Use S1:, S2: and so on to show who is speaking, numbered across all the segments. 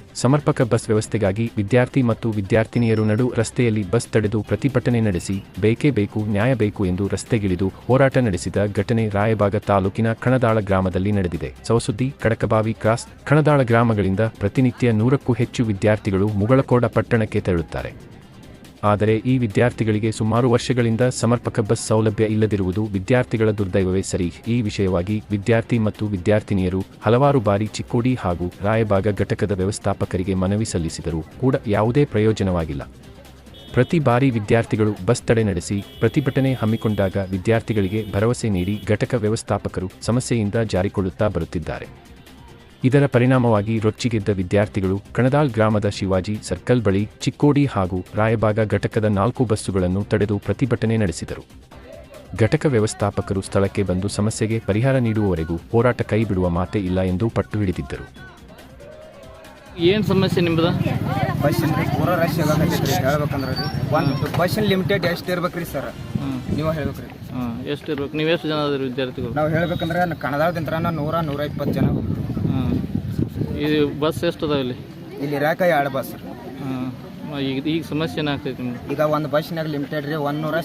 S1: ಸಮರ್ಪಕ ಬಸ್ ವ್ಯವಸ್ಥೆಗಾಗಿ ವಿದ್ಯಾರ್ಥಿ ಮತ್ತು ವಿದ್ಯಾರ್ಥಿನಿಯರು ನಡು ರಸ್ತೆಯಲ್ಲಿ ಬಸ್ ತಡೆದು ಪ್ರತಿಭಟನೆ ನಡೆಸಿ ಬೇಕೇ ಬೇಕು ನ್ಯಾಯ ಬೇಕು ಎಂದು ರಸ್ತೆಗಿಳಿದು ಹೋರಾಟ ನಡೆಸಿದ ಘಟನೆ ರಾಯಬಾಗ ತಾಲೂಕಿನ ಕಣದಾಳ ಗ್ರಾಮದಲ್ಲಿ ನಡೆದಿದೆ. ಸವಸುದ್ದಿ, ಕಡಕಬಾವಿ ಕ್ರಾಸ್, ಕಣದಾಳ ಗ್ರಾಮಗಳಿಂದ ಪ್ರತಿನಿತ್ಯ 100ಕ್ಕೂ ಹೆಚ್ಚು ವಿದ್ಯಾರ್ಥಿಗಳು ಮುಗಳಕೋಡ ಪಟ್ಟಣಕ್ಕೆ ತೆರಳುತ್ತಾರೆ. ಆದರೆ ಈ ವಿದ್ಯಾರ್ಥಿಗಳಿಗೆ ಸುಮಾರು ವರ್ಷಗಳಿಂದ ಸಮರ್ಪಕ ಬಸ್ ಸೌಲಭ್ಯ ಇಲ್ಲದಿರುವುದು ವಿದ್ಯಾರ್ಥಿಗಳ ದುರ್ದೈವವೇ ಸರಿ. ಈ ವಿಷಯವಾಗಿ ವಿದ್ಯಾರ್ಥಿ ಮತ್ತು ವಿದ್ಯಾರ್ಥಿನಿಯರು ಹಲವಾರು ಬಾರಿ ಚಿಕ್ಕೋಡಿ ಹಾಗೂ ರಾಯಬಾಗ ಘಟಕದ ವ್ಯವಸ್ಥಾಪಕರಿಗೆ ಮನವಿ ಸಲ್ಲಿಸಿದರೂ ಕೂಡ ಯಾವುದೇ ಪ್ರಯೋಜನವಾಗಿಲ್ಲ. ಪ್ರತಿ ಬಾರಿ ವಿದ್ಯಾರ್ಥಿಗಳು ಬಸ್ ತಡೆ ನಡೆಸಿ ಪ್ರತಿಭಟನೆ ಹಮ್ಮಿಕೊಂಡಾಗ ವಿದ್ಯಾರ್ಥಿಗಳಿಗೆ ಭರವಸೆ ನೀಡಿ ಘಟಕ ವ್ಯವಸ್ಥಾಪಕರು ಸಮಸ್ಯೆಯಿಂದ ಜಾರಿಕೊಳ್ಳುತ್ತಾ ಬರುತ್ತಿದ್ದಾರೆ. ಇದರ ಪರಿಣಾಮವಾಗಿ ರೊಚ್ಚಿಗೆದ್ದ ವಿದ್ಯಾರ್ಥಿಗಳು ಕಣದಾಳ್ ಗ್ರಾಮದ ಶಿವಾಜಿ ಸರ್ಕಲ್ ಬಳಿ ಚಿಕ್ಕೋಡಿ ಹಾಗೂ ರಾಯಬಾಗ ಘಟಕದ 4 ಬಸ್ಸುಗಳನ್ನು ತಡೆದು ಪ್ರತಿಭಟನೆ ನಡೆಸಿದರು. ಘಟಕ ವ್ಯವಸ್ಥಾಪಕರು ಸ್ಥಳಕ್ಕೆ ಬಂದು ಸಮಸ್ಯೆಗೆ ಪರಿಹಾರ ನೀಡುವವರೆಗೂ ಹೋರಾಟ ಕೈ ಬಿಡುವ ಮಾತೇ ಇಲ್ಲ ಎಂದು ಪಟ್ಟು ಹಿಡಿದಿದ್ದರು.
S2: ಏನು ಸಮಸ್ಯೆ ನಿಮ್ಮದು?
S3: ಬಸ್ಸಿನ ಪೂರ ರಶ್ ಆಗತ್ತೈತ್ರಿ. ಹೇಳ್ಬೇಕಂದ್ರೆ ರೀ ಒಂದು ಬಸ್ಸಿನ ಲಿಮಿಟೆಡ್ ಎಷ್ಟು ಇರ್ಬೇಕ್ರಿ ಸರ್? ನೀವು ಹೇಳ್ಬೇಕ್ರಿ.
S2: ಎಷ್ಟು ಇರ್ಬೇಕು? ನೀವು ಎಷ್ಟು ಜನ ಅದ್ರಿ ವಿದ್ಯಾರ್ಥಿಗಳು?
S3: ನಾವು ಹೇಳ್ಬೇಕಂದ್ರೆ ಕಣದಾಳದಿಂದ 100-120 ಜನ.
S2: ಇದು ಬಸ್ ಎಷ್ಟು ಅದಾವ ಇಲ್ಲಿ?
S3: ಇಲ್ಲಿ ಇರಾಕ 2 ಬಸ್.
S2: ಈಗ ಸಮಸ್ಯೆ ಏನಾಗ್ತೈತಿ ನಿಮ್ಗೆ?
S3: ಈಗ ಒಂದು ಬಸ್ನಾಗ ಲಿಮಿಟೆಡ್ ರೀ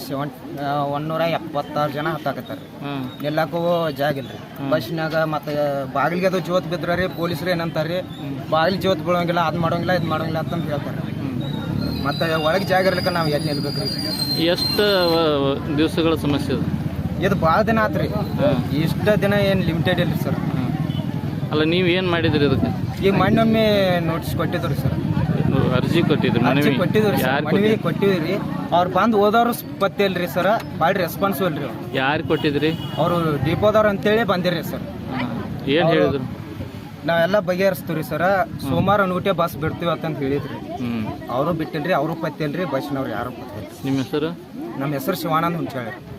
S3: 176 ಜನ ಹತ್ತಾಕತ್ತಾರ. ಎಲ್ಲಕ್ಕೂ ಜಾಗ ಇಲ್ರಿ ಬಸ್ನಾಗ. ಮತ್ತೆ ಬಾಗಿಲಿಗೆ ಅದು ಜೋತ್ ಬಿದ್ರಿ ಪೊಲೀಸರು ಏನಂತಾರ್ರಿ, ಬಾಗಿಲು ಜೋತ್ ಬೀಳೋಂಗಿಲ್ಲ, ಅದು ಮಾಡೋಂಗಿಲ್ಲ ಇದು ಮಾಡೋಂಗಿಲ್ಲ ಅಂತಂದು ಹೇಳ್ತಾರೆ. ಮತ್ತೆ ಒಳಗೆ ಜಾಗ ಇರ್ಲಿಕ್ಕೆ ನಾವು ಎಲ್ಲಿ ನಿಲ್ಬೇಕ್ರಿ?
S2: ಎಷ್ಟು ದಿವಸಗಳ ಸಮಸ್ಯೆ ಅದು?
S3: ಇದು ಭಾಳ ದಿನ ಆತ್ರಿ. ಇಷ್ಟ ದಿನ ಏನು ಲಿಮಿಟೆಡ್ ಇಲ್ರಿ ಸರ್.
S2: ಅಲ್ಲ, ನೀವು ಏನು ಮಾಡಿದ್ರಿ ಅದಕ್ಕೆ?
S3: ಈಗ ಮೊನ್ನೊಮ್ಮೆ ನೋಟಿಸ್ ಕೊಟ್ಟಿದ್ರು ಸರ್.
S2: ಅರ್ಜಿ ಕೊಟ್ಟಿದ್ರು?
S3: ಅರ್ಜಿ ಕೊಟ್ಟಿದ್ರು ಸರ್, ಮನವಿ ಕೊಟ್ಟಿವ್ರಿ. ಅವ್ರು ಬಂದು ಓದೋರು ಪತ್ತೆ ಇಲ್ರಿ ಸರ್, ಭಾಳ ರೆಸ್ಪಾನ್ಸಿಬಲ್ ರೀ.
S2: ಯಾರು ಕೊಟ್ಟಿದ್ರಿ? ಅವರು
S3: ಡಿಪೋದವ್ರು ಅಂತೇಳಿ ಬಂದಿರಿ ಸರ್.
S2: ಏನು ಹೇಳಿದ್ರು?
S3: ನಾವೆಲ್ಲ ಬಗೆಹರಿಸ್ತೀವಿ ಸರ್, ಸೋಮವಾರ ಅನ್ಬಿಟ್ಟೆ ಬಸ್ ಬಿಡ್ತೀವಿ ಅಂತಂದು ಹೇಳಿದ್ರಿ. ಅವರು ಬಿಟ್ಟಿಲ್ರಿ, ಅವರು ಪತ್ತೆ ಇಲ್ರಿ, ಬಸ್ನವ್ರು ಯಾರು ಪತ್ತೆ.
S2: ನಿಮ್ಮ ಹೆಸರು?
S3: ನಮ್ಮ ಹೆಸರು ಶಿವಾನಂದ್ ಹುಂಚಾಳಿ.